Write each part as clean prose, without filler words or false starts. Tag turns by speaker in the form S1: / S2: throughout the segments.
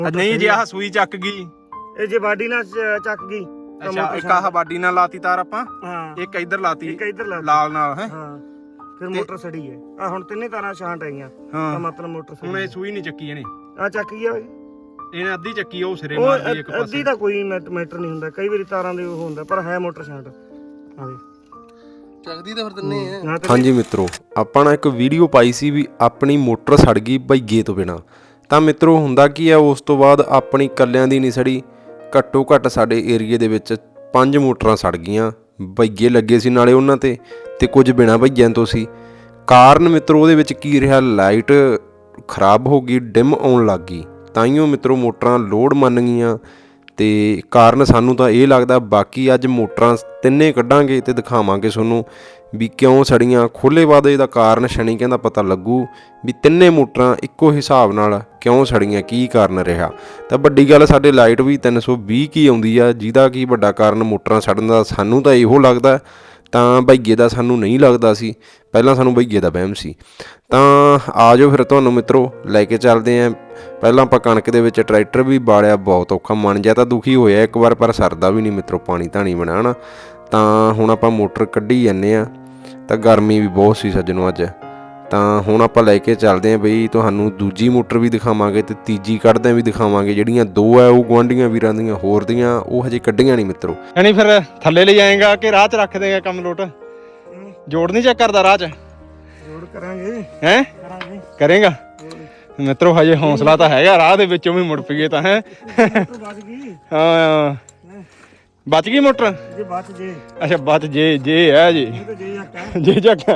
S1: ਨਹੀਂ ਜੇ ਆਹ ਸੂਈ ਚੱਕ ਗਈ,
S2: ਇਹ ਜੇ ਬਾਡੀ ਨਾਲ ਚੱਕ ਗਈ।
S1: ਅੱਛਾ ਇੱਕ ਆਹ ਬਾਡੀ ਨਾਲ ਲਾਤੀ ਤਾਰ ਆਪਾਂ,
S2: ਹਾਂ
S1: ਇੱਕ ਇੱਧਰ ਲਾਤੀ,
S2: ਇੱਕ ਇੱਧਰ ਲਾਤੀ
S1: ਲਾਲ ਨਾਲ ਹੈ।
S2: ਹਾਂ ਫਿਰ ਮੋਟਰ ਸੜੀ ਹੈ। ਆ ਹੁਣ ਤਿੰਨੇ ਤਾਰਾਂ ਛਾਂਟ ਆਈਆਂ
S1: ਹਾਂ,
S2: ਤਾਂ ਮਤਲਬ ਮੋਟਰ
S1: ਹੁਣ ਇਹ ਸੂਈ ਨਹੀਂ ਚੱਕੀ ਇਹਨੇ,
S2: ਆ ਚੱਕ ਗਿਆ ਓਏ।
S1: ਇਹਨੇ ਅੱਧੀ ਚੱਕੀ, ਉਹ ਸਿਰੇ
S2: ਉਹ
S1: ਮਾਰਦੀ ਇੱਕ ਪਾਸੇ।
S2: ਅੱਧੀ ਦਾ ਕੋਈ ਮੈਟਰ ਨਹੀਂ ਹੁੰਦਾ, ਕਈ ਵਾਰੀ ਤਾਰਾਂ ਦੇ ਉਹ ਹੁੰਦਾ, ਪਰ ਹੈ ਮੋਟਰ ਛਾਂਟ ਆਵੇ
S3: ਚੱਕਦੀ ਤਾਂ ਫਿਰ ਤਿੰਨੇ ਆ।
S4: ਹਾਂਜੀ ਮਿੱਤਰੋ, ਆਪਾਂ ਨੇ ਇੱਕ ਵੀਡੀਓ ਪਾਈ ਸੀ ਵੀ ਆਪਣੀ ਮੋਟਰ ਸੜ ਗਈ ਬਈਏ ਤੋਂ ਬਿਨਾ। ਤਾਂ ਮਿੱਤਰੋ ਹੁੰਦਾ ਕੀ ਆ, ਉਸ ਤੋਂ ਬਾਅਦ ਆਪਣੀ ਕੱਲਿਆਂ ਦੀ ਨਹੀਂ ਸੜੀ, ਘੱਟੋ ਘੱਟ ਸਾਡੇ ਏਰੀਏ ਦੇ ਵਿੱਚ 5 ਮੋਟਰਾਂ ਸੜ ਗਈਆਂ। ਬਈਏ ਲੱਗੇ ਸੀ ਨਾਲੇ ਉਹਨਾਂ ਤੇ ਕੁਝ ਬਿਨਾ ਬਈਆਂ ਤੋਂ ਸੀ। ਕਾਰਨ ਮਿੱਤਰੋ ਉਹਦੇ ਵਿੱਚ ਕੀ ਰਿਹਾ, ਲਾਈਟ ਖਰਾਬ ਹੋ ਗਈ, ਡਿਮ ਆਉਣ ਲੱਗ ਗਈ, ਤਾਈਓ ਮਿੱਤਰੋ ਮੋਟਰਾਂ ਲੋਡ ਮੰਨ ਗਈਆਂ। ਤੇ ਕਾਰਨ ਸਾਨੂੰ ਤਾਂ ਇਹ ਲੱਗਦਾ, ਬਾਕੀ ਅੱਜ ਮੋਟਰਾਂ ਤਿੰਨੇ ਕੱਢਾਂਗੇ ਤੇ ਦਿਖਾਵਾਂਗੇ ਤੁਹਾਨੂੰ ਵੀ ਕਿਉਂ ਸੜੀਆਂ। ਖੋਲ੍ਹੇ ਬਾਅਦ ਇਹਦਾ ਕਾਰਨ ਸ਼ਨੀ ਕਹਿੰਦਾ ਪਤਾ ਲੱਗੂ ਵੀ ਤਿੰਨੇ ਮੋਟਰਾਂ ਇੱਕੋ ਹਿਸਾਬ ਨਾਲ ਕਿਉਂ ਸੜੀਆਂ, ਕੀ ਕਾਰਨ ਰਿਹਾ। ਤਾਂ ਵੱਡੀ ਗੱਲ, ਸਾਡੇ ਲਾਈਟ ਵੀ 320 ਕੀ ਆਉਂਦੀ ਆ, ਜਿਹਦਾ ਕੀ ਵੱਡਾ ਕਾਰਨ ਮੋਟਰਾਂ ਸੜਨ ਦਾ ਸਾਨੂੰ ਤਾਂ ਇਹੋ ਲੱਗਦਾ, ਤਾਂ ਬਈਏ ਦਾ ਸਾਨੂੰ ਨਹੀਂ ਲੱਗਦਾ ਸੀ। ਪਹਿਲਾਂ ਸਾਨੂੰ ਬਈਏ ਦਾ ਵਹਿਮ ਸੀ। ਤਾਂ ਆ ਜਾਓ ਫਿਰ ਤੁਹਾਨੂੰ ਮਿੱਤਰੋ ਲੈ ਕੇ ਚੱਲਦੇ ਆਂ। ਪਹਿਲਾਂ ਆਪਾਂ ਕਣਕ ਦੇ ਵਿੱਚ ਟਰੈਕਟਰ ਵੀ ਬਾਲਿਆ, ਬਹੁਤ ਔਖਾ, ਮਨ ਜਿਹਾ ਤਾਂ ਦੁਖੀ ਹੋਇਆ ਇੱਕ ਵਾਰ, ਪਰ ਸਰਦਾ ਵੀ ਨਹੀਂ ਮਿੱਤਰੋ, ਪਾਣੀ ਧਾਣੀ ਬਣਾਉਣਾ। ਤਾਂ ਹੁਣ ਆਪਾਂ ਮੋਟਰ ਕੱਢੀ ਜਾਂਦੇ ਆ, ਤਾਂ ਗਰਮੀ ਵੀ ਬਹੁਤ ਸੀ ਸੱਜਣੋ ਅੱਜ। ਤਾਂ ਹੁਣ ਆਪਾਂ ਲੈ ਕੇ ਚੱਲਦੇ ਆਂ ਬਈ, ਤੁਹਾਨੂੰ ਦੂਜੀ ਮੋਟਰ ਵੀ ਦਿਖਾਵਾਂਗੇ ਤੇ ਤੀਜੀ ਕੱਢਦਿਆਂ ਵੀ ਦਿਖਾਵਾਂਗੇ। ਜਿਹੜੀਆਂ ਦੋ ਆ ਉਹ ਗੁਆਂਢੀਆਂ ਵੀਰਾਂ ਦੀਆਂ, ਹੋਰ ਦੀਆਂ ਉਹ ਹਜੇ ਕੱਢੀਆਂ ਨਹੀਂ ਮਿੱਤਰੋ।
S1: ਯਾਨੀ ਫਿਰ ਥੱਲੇ ਲੈ ਜਾਏਗਾ ਕਿ ਰਾਹ 'ਚ ਰੱਖ ਦੇਗਾ ਕੰਮ ਲੋਟ? ਜੋੜ ਨਹੀਂ ਚੈੱਕ ਕਰਦਾ ਰਾਹ 'ਚ?
S2: ਜੋੜ ਕਰਾਂਗੇ,
S1: ਹੈ
S2: ਕਰਾਂਗੇ,
S1: ਕਰੇਗਾ ਮਿੱਤਰੋ, ਹਜੇ ਹੌਸਲਾ ਤਾਂ ਹੈਗਾ, ਰਾਹ ਦੇ ਵਿੱਚੋਂ ਵੀ ਮੁੜ ਪਈਏ ਤਾਂ ਹੈ।
S2: ਬਚ ਗਈ।
S1: ਹਾਂ ਬਚ ਗਈ ਮੋਟਰ।
S2: ਜੇ ਬਚ ਜੇ,
S1: ਅੱਛਾ ਬਚ ਜੇ ਹੈ ਜੀ,
S2: ਇਹ ਤਾਂ ਜੇ ਆਕਾ
S1: ਜੇ ਚੱਕ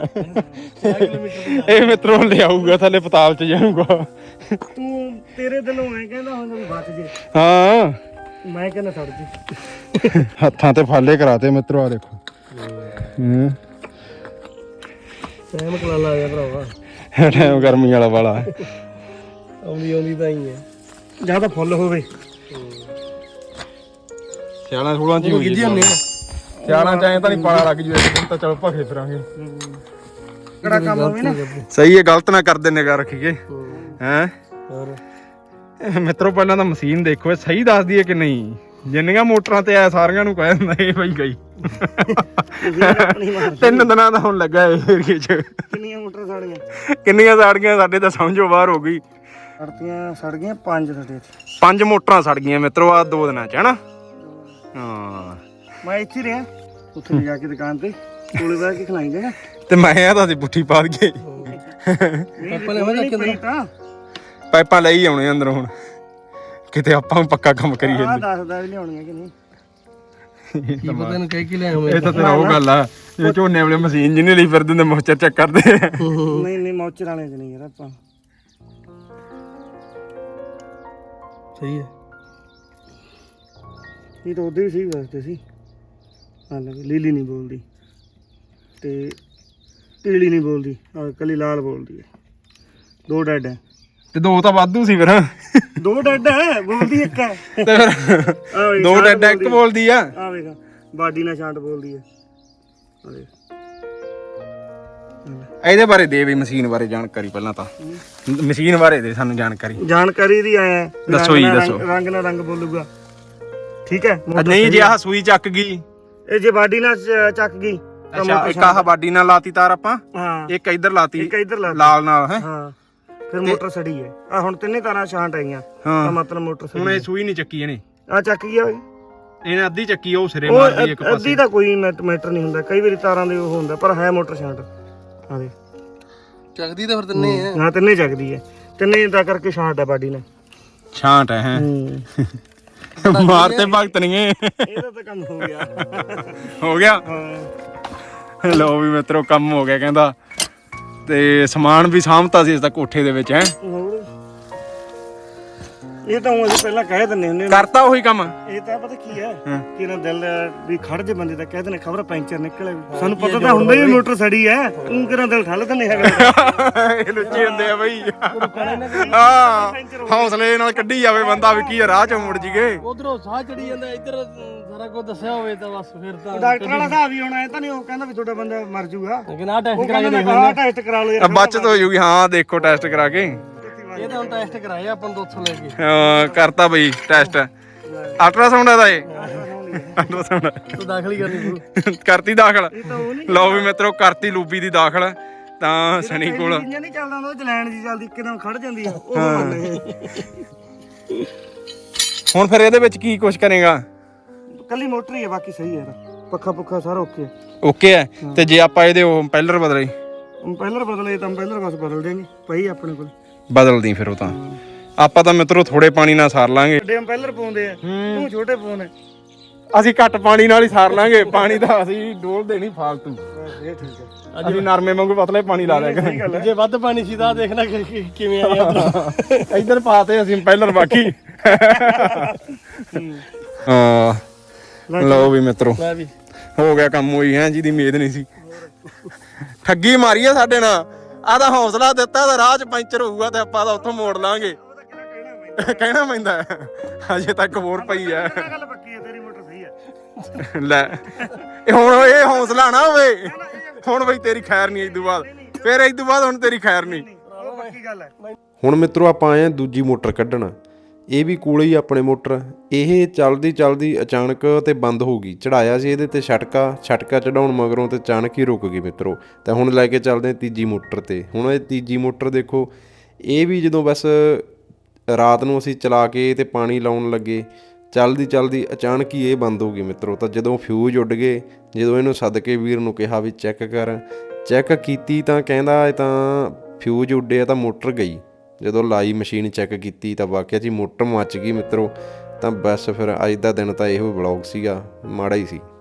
S1: ਇਹ ਮਿੱਤਰੋ ਲਿਆਊਗਾ ਥੱਲੇ ਪਤਾਲ 'ਚ ਜਾਊਗਾ।
S2: ਤੂੰ ਤੇਰੇ ਦਿਲੋਂ ਐ ਕਹਿੰਦਾ ਹੁਣ ਵੀ ਬਚ ਜੇ,
S1: ਹਾਂ
S2: ਮੈਂ ਕਹਿੰਦਾ ਸੜ ਜੇ।
S1: ਹੱਥਾਂ ਤੇ ਫਾਲੇ ਕਰਾਤੇ ਮਿੱਤਰੋ, ਆ ਦੇਖੋ।
S2: ਟਾਈਮ ਕਲਾਲਾ ਆ ਗਿਆ ਭਰਾਵਾ,
S1: ਟਾਈਮ ਗਰਮੀ ਵਾਲਾ ਵਾਲਾ
S2: ਆਉਂਦੀ ਤਾਂ ਹੀ ਹੈ, ਜਾਂ ਤਾਂ ਫੁੱਲ ਹੋਵੇ।
S1: ਸਿਆਲਾਂ 16 ਚ ਹੀ ਹੋਈ ਜਾਂਦੇ ਆ, ਸਿਆਲਾਂ ਚ ਐਂ ਤਾਂ ਨਹੀਂ ਪਾਲਾ ਲੱਗ ਜੂ, ਹੁਣ ਤਾਂ ਚਲੋ ਭਖੇ ਫਿਰਾਂਗੇ।
S2: ਕਿਹੜਾ ਕੰਮ ਹੋਵੇ ਨਾ,
S1: ਸਹੀ ਹੈ, ਗਲਤ ਨਾ ਕਰਦੇ, ਨਿਗਾਹ ਰੱਖੀਏ ਹੈ।
S2: ਹੋਰ
S1: ਮਿੱਤਰੋ ਪਹਿਲਾਂ ਤਾਂ ਮਸ਼ੀਨ ਦੇਖੋ, ਇਹ ਸਹੀ ਦੱਸਦੀ ਹੈ ਕਿ ਨਹੀਂ। ਜਿੰਨੀਆਂ ਮੋਟਰਾਂ ਤੇ ਆ ਸਾਰਿਆਂ ਨੂੰ ਕਹਿ ਦਿੰਦਾ ਇਹ ਬਈ ਗਈ। 3 ਦਿਨਾਂ ਦਾ ਹੁਣ ਲੱਗਾ ਇਹ ਏਰੀਏ 'ਚ।
S2: ਕਿੰਨੀਆਂ ਮੋਟਰ ਸੜ ਗਈਆਂ?
S1: ਕਿੰਨੀਆਂ ਸੜ ਗਈਆਂ, ਸਾਡੇ ਤਾਂ ਸਮਝੋ ਬਾਹਰ ਹੋ ਗਈ।
S2: ਸੜ ਗਈਆਂ 5 ਸਾਡੇ ਇੱਥੇ।
S1: 5 ਮੋਟਰਾਂ ਸੜ ਗਈਆਂ ਮਿੱਤਰੋ ਆ 2 ਦਿਨਾਂ 'ਚ, ਹਨਾ। ਹਾਂ
S2: ਮੈਂ ਇੱਥੇ ਰਿਹਾ, ਉੱਥੇ ਜਾ ਕੇ ਦੁਕਾਨ ਤੇ ਕੋਲੇ ਬਹਿ ਕੇ ਖਲਾਈ ਜਾਣਾ।
S1: ਤੇ ਮੈਂ ਆ ਤਾਂ ਬੁੱਠੀ ਪਾ ਦਈਏ, ਪਾਈਪਾਂ ਲਈ ਆਉਣੇ ਅੰਦਰੋਂ ਹੁਣ, ਕਿਤੇ ਆਪਾਂ ਪੱਕਾ ਕੰਮ ਕਰੀਏ।
S2: ਆਹ ਦੱਸਦਾ ਵੀ ਲਿਆਉਣੀਆਂ ਕਿ ਨਹੀਂ,
S3: ਕੀ ਪਤਾ ਇਹਨੂੰ ਕਹਿ ਕੇ ਲਿਆ ਹੋਵੇ।
S1: ਇਹ ਤਾਂ ਤੇਰਾ ਉਹ ਗੱਲ ਆ, ਇਹ ਝੋਨੇ ਵਾਲੇ ਮਸ਼ੀਨ ਜਿਹਨੇ ਲਈ ਫਿਰਦੇ ਨੇ ਮੋਚਰ ਚੈੱਕ ਕਰਦੇ।
S2: ਨਹੀਂ ਮੌਚਰ ਵਾਲੇ ਚ ਨਹੀਂ ਯਾਰ, ਆਪਾਂ
S3: ਸਹੀ ਹੈ।
S2: ਇਹ ਤਾਂ ਉਹਦੇ ਵੀ ਸਹੀ ਵਸਦੇ ਸੀ। ਹਾਲਾਂਕਿ ਲੀਲੀ ਨਹੀਂ ਬੋਲਦੀ ਤੇ ਪੀਲੀ ਨਹੀਂ ਬੋਲਦੀ, ਕੱਲੀ ਲਾਲ ਬੋਲਦੀ ਹੈ। 2 ਡੈਡ ਹੈ
S1: ਤੇ 2 ਤਾਂ ਵਾਧੂ ਸੀ ਫਿਰ।
S2: 2 ਡੈਡ ਹੈ, ਬੋਲਦੀ ਇੱਕ ਹੈ।
S1: ਤੇ ਫਿਰ 2 ਡੈਡ ਇੱਕ ਬੋਲਦੀ ਆ।
S2: ਆ ਵੇਖ ਬਾਡੀ ਨਾਲ ਛਾਂਟ ਬੋਲਦੀ ਹੈ। ਆ ਵੇਖ,
S1: ਇਹਦੇ ਬਾਰੇ ਦੇ ਵੀ, ਮਸ਼ੀਨ ਬਾਰੇ ਜਾਣਕਾਰੀ ਪਹਿਲਾਂ ਤਾਂ, ਮਸ਼ੀਨ ਬਾਰੇ ਦੇ ਸਾਨੂੰ
S2: ਜਾਣਕਾਰੀ ਦੀ ਆਇਆ।
S1: ਦੱਸੋ ਜੀ, ਦੱਸੋ।
S2: ਰੰਗ ਨਾਲ ਰੰਗ ਬੋਲੂਗਾ, ਠੀਕ ਹੈ।
S1: ਨਹੀਂ ਜੇ ਆਹ ਸੂਈ ਚੱਕ ਗਈ,
S2: ਇਹ ਜੇ ਬਾਡੀ ਨਾਲ ਚੱਕ ਗਈ।
S1: ਅੱਛਾ ਇੱਕ ਆਹ ਬਾਡੀ ਨਾਲ ਲਾਤੀ ਤਾਰ ਆਪਾਂ,
S2: ਹਾਂ
S1: ਇੱਕ ਇੱਧਰ ਲਾਤੀ,
S2: ਇੱਕ ਇੱਧਰ ਲਾਤੀ,
S1: ਲਾਲ ਨਾਲ ਹੈ।
S2: ਹਾਂ ਫਿਰ ਮੋਟਰ ਸੜੀ ਹੈ। ਆ ਹੁਣ ਤਿੰਨੇ ਤਾਰਾਂ ਛਾਂਟ ਆਈਆਂ,
S1: ਹਾਂ
S2: ਤਾਂ ਮਤਲਬ ਮੋਟਰ
S1: ਹੁਣ ਇਹ ਸੂਈ ਨਹੀਂ ਚੱਕੀ ਇਹਨੇ,
S2: ਆ ਚੱਕ ਗਿਆ ਓਏ।
S1: ਇਹਨੇ ਅੱਧੀ ਚੱਕੀ, ਉਹ ਸਿਰੇ ਮਾਰਦੀ ਇੱਕ ਪਾਸੇ।
S2: ਅੱਧੀ ਦਾ ਕੋਈ ਮੈਟਰ ਨਹੀਂ ਹੁੰਦਾ, ਕਈ ਵਾਰੀ ਤਾਰਾਂ ਦੇ ਉਹ ਹੁੰਦਾ, ਪਰ ਹੈ ਮੋਟਰ ਛਾਂਟ ਆਵੇ
S3: ਚੱਕਦੀ ਤਾਂ ਫਿਰ ਤਿੰਨੇ ਆ।
S2: ਹਾਂ ਤਿੰਨੇ ਚੱਕਦੀ ਹੈ, ਤਿੰਨੇ ਦਾ ਕਰਕੇ ਛਾਂਟ ਹੈ ਬਾਡੀ ਨਾਲ।
S1: ਛਾਂਟ ਹੈ ਮਾਰਤੇ ਭਗਤ ਨਹੀਂ
S2: ਇਹਦਾ ਤਾਂ ਕੰਮ ਹੋ ਗਿਆ।
S1: ਹੋ ਗਿਆ।
S2: ਹਾਂ
S1: ਲੋ ਵੀ ਮਿੱਤਰੋ ਕੰਮ ਹੋ ਗਿਆ ਕਹਿੰਦਾ, ਤੇ ਸਮਾਨ ਵੀ ਸਾਂਭਤਾ ਸੀ ਇਸ ਦਾ ਕੋਠੇ ਦੇ ਵਿੱਚ ਹੈ।
S2: ਇਹ ਤਾਂ ਅਸੀਂ ਪਹਿਲਾਂ ਕਹਿ ਦਿੰਦੇ ਹੁੰਦੇ,
S1: ਕਰਤਾ ਉਹੀ ਕੰਮ।
S2: ਇਹ ਤਾਂ ਪਤਾ ਕੀ ਹੈ ਕਿ ਇਹਨਾਂ ਦਿਲ ਵੀ ਖੜ ਜੇ ਬੰਦੇ ਦਾ, ਕਹਿ ਦਿੰਦੇ ਖਬਰ ਪੈਂਚਰ ਨਿਕਲੇ। ਸਾਨੂੰ ਪਤਾ ਤਾਂ ਹੁੰਦਾ ਹੀ ਮੋਟਰ ਸੜੀ ਹੈ, ਤੂੰ ਕਿਹੜਾ ਦਿਲ ਠੱਲ ਦਿੰਦੇ ਹੈਗਾ।
S1: ਇਹ ਲੁੱਚੇ ਹੁੰਦੇ ਆ ਬਈ। ਹਾਂ ਹੌਸਲੇ ਨਾਲ ਕੱਢੀ ਜਾਵੇ ਬੰਦਾ ਵੀ ਕੀ ਰਾਹ ਚੋਂ ਮੁੜ ਜੀਗੇ।
S3: ਉਧਰੋਂ ਸਾਹ ਚੜੀ ਜਾਂਦਾ, ਇੱਧਰ ਸਾਰਾ ਕੁਝ ਦੱਸਿਆ ਹੋਵੇ ਤਾਂ ਬਸ ਫਿਰ ਤਾਂ
S2: ਡਾਕਟਰ ਵਾਲਾ ਹਿਸਾਬ ਹੀ ਹੋਣਾ। ਇਹ ਤਾਂ ਨਹੀਂ ਉਹ ਕਹਿੰਦਾ ਵੀ ਤੁਹਾਡਾ ਬੰਦਾ ਮਰ ਜੂਗਾ,
S3: ਲੇਕਿਨ ਆਹ ਟੈਸਟ
S2: ਉਹ
S3: ਕਰਾ ਕੇ
S2: ਕਹਿੰਦਾ
S3: ਦੇਖ
S2: ਆਹ ਟੈਸਟ ਕਰਾ ਲਓ ਯਾਰ।
S1: ਬਚਤ ਹੋ ਜੂਗੀ। ਹਾਂ ਦੇਖੋ ਟੈਸਟ ਕਰਾ ਕੇ।
S3: ਇਹ ਤਾਂ ਹੁਣ ਟੈਸਟ ਕਰਾਏ ਆਪਾਂ ਨੂੰ ਉੱਥੋਂ ਲੈ ਕੇ
S1: ਕਰਤਾ ਬਈ ਟੈਸਟ ਅਲਟਰਾਸਾਊਂਡ ਦਾ ਇਹ ਅਲਟਰਾਸਾਊਂਡ
S3: ਤੂੰ ਦਾਖਲ ਹੀ ਕਰਨੀ ਪਊ
S1: ਕਰਤੀ ਦਾਖਲ
S2: ਇਹ ਤਾਂ ਉਹ ਨਹੀਂ
S1: ਲਓ ਵੀ ਮਿੱਤਰੋ ਕਰਤੀ ਲੂਬੀ ਦੀ ਦਾਖਲ ਤਾਂ ਸਣੀ ਕੋਲ
S2: ਇੰਜਨ ਨਹੀਂ ਚੱਲਦਾ ਹੁੰਦਾ ਉਹ ਚਲਾਣ ਜੀ ਚੱਲਦੀ ਇੱਕਦਮ ਖੜ ਜਾਂਦੀ ਆ ਉਹ ਮੰਨੇ
S1: ਹੁਣ ਫਿਰ ਇਹਦੇ ਵਿੱਚ ਕੀ ਕੁਛ ਕਰੇਗਾ
S2: ਕੱਲੀ ਮੋਟਰ ਹੀ ਹੈ ਬਾਕੀ ਸਹੀ ਹੈ ਇਹਦਾ ਪੱਖਾ ਪੁੱਖਾ ਸਾਰਾ ਓਕੇ
S1: ਓਕੇ ਹੈ ਤੇ ਜੇ ਆਪਾਂ ਇਹਦੇ ਉਹ ਪਹਿਲਰ ਬਦਲੇ
S2: ਪਹਿਲਰ ਬਦਲੇ ਤਾਂ ਪਹਿਲਰ ਬਸ ਬਦਲ ਦੇਂਗੇ ਪਈ ਆਪਣੇ ਕੋਲ
S1: ਬਦਲਦੀ ਫਿਰ ਉਹ ਤਾਂ ਆਪਾਂ ਤਾਂ ਮਿੱਤਰੋ ਥੋੜੇ ਪਾਣੀ ਨਾਲ ਸਾਰ ਲਾਂਗੇ
S2: ਵੱਡੇ ਪਹਿਲਰ ਪਾਉਂਦੇ ਆ ਤੂੰ ਛੋਟੇ ਪਾਉਣੇ
S1: ਅਸੀਂ ਘੱਟ ਪਾਣੀ ਨਾਲ ਹੀ ਸਾਰ ਲਾਂਗੇ ਪਾਣੀ ਤਾਂ ਅਸੀਂ ਡੋਲ ਦੇਣੀ ਫਾਲਤੂ
S2: ਇਹ ਠੀਕ ਹੈ
S1: ਅਸੀਂ ਨਰਮੇ ਵਾਂਗੂ ਪਤਲੇ ਪਾਣੀ ਲਾ ਲਿਆ
S2: ਸਹੀ ਗੱਲ ਹੈ
S3: ਜੇ ਵੱਧ ਪਾਣੀ ਸੀ ਤਾਂ ਦੇਖਣਾ ਕਿਵੇਂ ਆਇਆ
S1: ਇੱਧਰ ਪਾਤੇ ਅਸੀਂ ਪਹਿਲਰ ਬਾਕੀ ਹਾਂ ਲਓ ਵੀ ਮਿੱਤਰੋ
S3: ਮੈਂ ਵੀ
S1: ਹੋ ਗਿਆ ਕੰਮ ਹੋਈ ਹੈ ਜਿਹਦੀ ਉਮੀਦ ਨਹੀਂ ਸੀ ਠੱਗੀ ਮਾਰੀ ਆ ਸਾਡੇ ਨਾਲ ਆਹ ਤਾਂ ਹੌਸਲਾ ਦਿੱਤਾ ਤਾਂ ਰਾਹ 'ਚ ਪੈਂਚਰ ਹੋਊਗਾ ਤੇ ਆਪਾਂ ਤਾਂ ਉੱਥੋਂ ਮੋੜ ਲਾਂਗੇ ਕਹਿਣਾ ਪੈਂਦਾ ਹਜੇ ਤੱਕ ਹੋਰ ਪਈ ਆ
S2: ਗੱਲ ਪੱਕੀ ਹੈ ਤੇਰੀ ਮੋਟਰ ਸਹੀ ਹੈ
S1: ਲੈ ਹੁਣ ਇਹ ਹੌਸਲਾ ਨਾ ਹੋਵੇ ਹੁਣ ਬਈ ਤੇਰੀ ਖੈਰ ਨਹੀਂ ਇਦੋਂ ਬਾਅਦ ਫਿਰ ਇਦੋਂ ਬਾਅਦ ਹੁਣ ਤੇਰੀ ਖੈਰ ਨਹੀਂ
S2: ਉਹ ਪੱਕੀ ਗੱਲ ਹੈ
S4: ਹੁਣ ਮਿੱਤਰੋ ਆਪਾਂ ਆਏ ਆ ਦੂਜੀ ਮੋਟਰ ਕੱਢਣ ਇਹ ਵੀ ਕੋਲੇ ਹੀ ਆਪਣੇ ਮੋਟਰ ਇਹ ਚਲਦੀ ਅਚਾਨਕ ਤੇ ਬੰਦ ਹੋ ਗਈ ਚੜਾਇਆ ਸੀ ਇਹਦੇ ਤੇ ਛਟਕਾ ਚੜਾਉਣ ਮਗਰੋਂ ਤੇ ਅਚਾਨਕ ਹੀ ਰੁਕ ਗਈ ਮਿੱਤਰੋ ਤੇ ਹੁਣ ਲੈ ਕੇ ਚੱਲਦੇ ਤੀਜੀ ਮੋਟਰ ਤੇ ਹੁਣ ਇਹ ਤੀਜੀ ਮੋਟਰ ਦੇਖੋ ਇਹ ਵੀ ਜਦੋਂ ਬਸ ਰਾਤ ਨੂੰ ਅਸੀਂ ਚਲਾ ਕੇ ਤੇ ਪਾਣੀ ਲਾਉਣ ਲੱਗੇ ਚਲਦੀ ਅਚਾਨਕ ਹੀ ਇਹ ਬੰਦ ਹੋ ਗਈ ਮਿੱਤਰੋ ਤਾਂ ਜਦੋਂ ਫਿਊਜ਼ ਉੱਡ ਗਏ ਜਦੋਂ ਇਹਨੂੰ ਸੱਦ ਕੇ ਵੀਰ ਨੂੰ ਕਿਹਾ ਵੀ ਚੈੱਕ ਕੀਤੀ ਤਾਂ ਕਹਿੰਦਾ ਇਹ ਤਾਂ ਫਿਊਜ਼ ਉੱਡਿਆ ਤਾਂ ਮੋਟਰ ਗਈ ਜਦੋਂ ਲਾਈ ਮਸ਼ੀਨ ਚੈੱਕ ਕੀਤੀ ਤਾਂ ਵਾਕਿਆ 'ਚ ਹੀ ਮੋਟਰ ਮੱਚ ਗਈ ਮਿੱਤਰੋ ਤਾਂ ਬਸ ਫਿਰ ਅੱਜ ਦਾ ਦਿਨ ਤਾਂ ਇਹੋ ਵਲੌਗ ਸੀਗਾ ਮਾੜਾ ਹੀ ਸੀ।